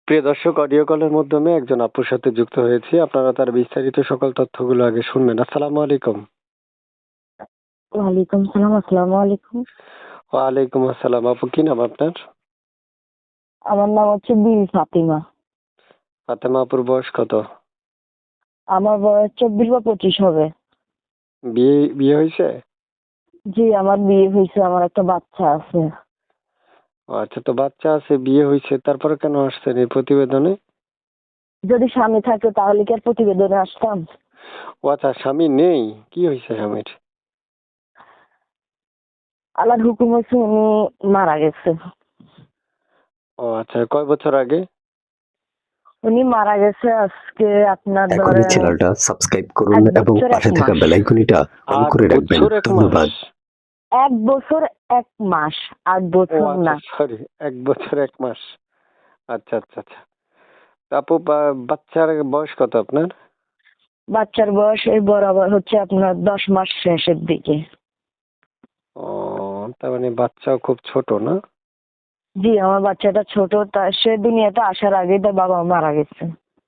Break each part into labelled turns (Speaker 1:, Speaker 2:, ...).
Speaker 1: প্রিয় দর্শক, অডিও কলের মাধ্যমে একজন আপুর সাথে যুক্ত হয়েছি। আপনারা তার বিস্তারিত সকল তথ্যগুলো আগে শুনবেন। আসসালামু আলাইকুম।
Speaker 2: ওয়ালাইকুম সালাম। আসসালামু আলাইকুম।
Speaker 1: ওয়ালাইকুম আসসালাম। আপু, কি নাম আপনার?
Speaker 2: আমার নাম হচ্ছে বিল ফাতিমা।
Speaker 1: ফাতেমা আপুর বয়স কত?
Speaker 2: আমার বয়স 24 বা 25 হবে।
Speaker 1: বিয়ে বিয়ে হয়েছে?
Speaker 2: জি, আমার বিয়ে হয়েছে, আমার একটা বাচ্চা আছে।
Speaker 1: ও আচ্ছা, তো বাচ্চা আছে, বিয়ে হয়েছে, তারপরে কেন আসছেন এই প্রতিবেদনে?
Speaker 2: যদি স্বামী থাকে তাহলে কি আর প্রতিবেদনে আসতাম?
Speaker 1: ও আচ্ছা, স্বামী নেই? কি হয়েছে স্বামীর?
Speaker 2: আল্লাহর হুকুম হচ্ছে উনি মারা গেছে।
Speaker 1: ও আচ্ছা, কয় বছর আগে?
Speaker 2: উনি মারা গেছে আজকে আপনার
Speaker 3: এখনই
Speaker 2: ধরেন
Speaker 3: চ্যানেলটা সাবস্ক্রাইব করুন
Speaker 2: 1
Speaker 3: এবং
Speaker 2: বছর 1
Speaker 3: পাশে থাকা
Speaker 2: মাস।
Speaker 3: বেল আইকনটা অন
Speaker 1: 8
Speaker 3: করে রাখবেন।
Speaker 1: বছর 1
Speaker 3: ধন্যবাদ।
Speaker 1: মাস?
Speaker 2: 1 বছর 1 মাস, 8
Speaker 1: ও
Speaker 2: বছর
Speaker 1: আচ্ছা,
Speaker 2: না।
Speaker 1: সরি, 1 বছর 1 মাস। আচ্ছা আচ্ছা আচ্ছা। তা আপু, বাচ্চার বয়স কত আপনার?
Speaker 2: বাচ্চার বয়স এই বরাবর হচ্ছে আপনার 10 মাস শেষের দিকে।
Speaker 1: ও, তার মানে বাচ্চাও খুব ছোট না?
Speaker 2: জি, আমার বাচ্চাটা ছোট, সে দুনিয়াতে আসার আগেই তার বাবা মারা গেছে।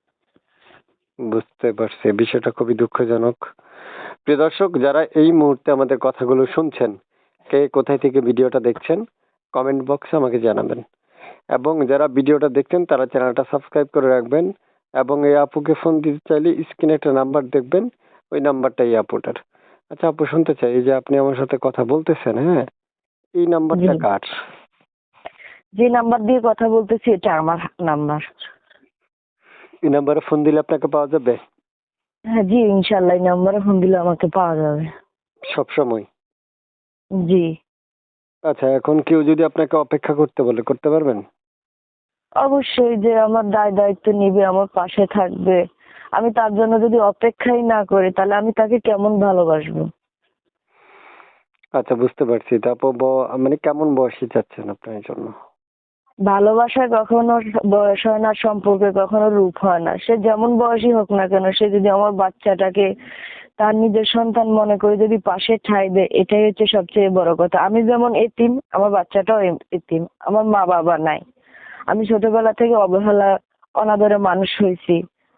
Speaker 1: বুঝতে পারছি, বিষয়টা খুবই দুঃখজনক। প্রিয় দর্শক, যারা এই মুহূর্তে আমাদের কথাগুলো শুনছেন, কে কোথায় থেকে ভিডিওটা দেখছেন কমেন্ট বক্সে আমাকে জানাবেন। এবং যারা ভিডিওটা দেখছেন তারা চ্যানেলটা সাবস্ক্রাইব করে রাখবেন। এবং এই আপুকে ফোন দিতে চাইলে স্ক্রিনে একটা নাম্বার দেখবেন, ওই নাম্বারটা এই আপুটার। আচ্ছা আপু, শুনতে চাই, এই যে আপনি আমার সাথে কথা বলতেছেন, হ্যাঁ, এই
Speaker 2: জি,
Speaker 1: নাম্বারটা কার?
Speaker 2: যে নাম্বার দিয়ে কথা বলতেছি এটা আমার নাম্বার।
Speaker 1: এই নাম্বারে ফোন দিলে আপনাকে পাওয়া যাবে
Speaker 2: হ্যাঁ জি, ইনশাল্লাহ এই নাম্বারে ফোন দিলে আমাকে পাওয়া যাবে।
Speaker 1: সব সময়?
Speaker 2: জি,
Speaker 1: আচ্ছা, এখন কেউ যদি আপনাকে অপেক্ষা করতে বলে, করতে পারবেন?
Speaker 2: অবশ্যই, যে আমার দায়িত্ব নিবে, আমার পাশে থাকবে, আমি তার জন্য যদি অপেক্ষাই না করি তাহলে আমি তাকে কেমন ভালোবাসবো?
Speaker 1: আচ্ছা, বুঝতে পারছি। তারপর মানে কেমন বয়সী চাচ্ছেন আপনার জন্য?
Speaker 2: ভালোবাসায় কখনো বয়স হয় না, সম্পর্কে কখনো রূপ হয় না। সে যেমন বয়সী হোক না কেন, সে যদি আমার বাচ্চাটাকে তার নিজের সন্তান মনে করে যদি পাশে ঠাঁই দেয়, এটাই হচ্ছে সবচেয়ে বড় কথা। আমি যেমন এতিম, আমার বাচ্চাটাও এতিম। আমার মা বাবা নাই। আমি ছোটবেলা থেকে অবহেলা, অনাদরে মানুষ হয়েছি।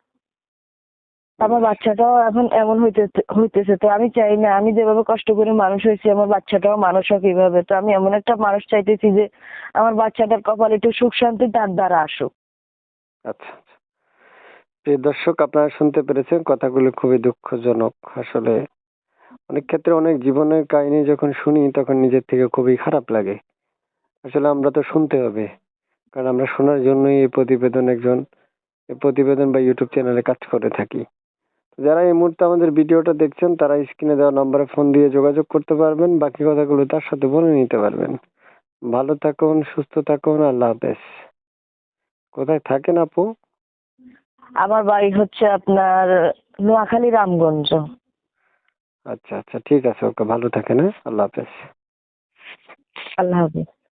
Speaker 2: আমার বাচ্চাটাও এখন এমন হইতেছে। তো আমি চাই না, আমি যেভাবে কষ্ট করে মানুষ হয়েছি আমার বাচ্চাটাও মানুষ হোক এইভাবে। তো আমি এমন একটা মানুষ চাইতেছি যে আমার বাচ্চাটার কপালে একটু সুখ শান্তি তার দ্বারা আসুক।
Speaker 1: আচ্ছা আচ্ছা। প্রিয় দর্শক, আপনারা শুনতে পেরেছেন, কথাগুলো খুবই দুঃখজনক। আসলে অনেক ক্ষেত্রে অনেক জীবনের কাহিনী যখন শুনি তখন নিজের থেকে খুবই খারাপ লাগে। আসলে আমরা তো শুনতে হবে, কারণ আমরা শোনার জন্যই এই প্রতিবেদন বা ইউটিউব চ্যানেলে কাজ করে থাকি। যারা এই মুহূর্তে আমাদের ভিডিওটা দেখছেন তারা স্ক্রিনে দেওয়া নম্বরে ফোন দিয়ে যোগাযোগ করতে পারবেন, বাকি কথাগুলো তার সাথে বলে নিতে পারবেন। ভালো থাকুন, সুস্থ থাকুন, আল্লাহ হাফেজ। কোথায় থাকেন আপু?
Speaker 2: আমার বাড়ি হচ্ছে আপনার নোয়াখালী, রামগঞ্জ।
Speaker 1: আচ্ছা আচ্ছা, ঠিক আছে, ওকে, ভালো থাকেন, হ্যাঁ, আল্লাহ হাফেজ।
Speaker 2: আল্লাহ হাফেজ।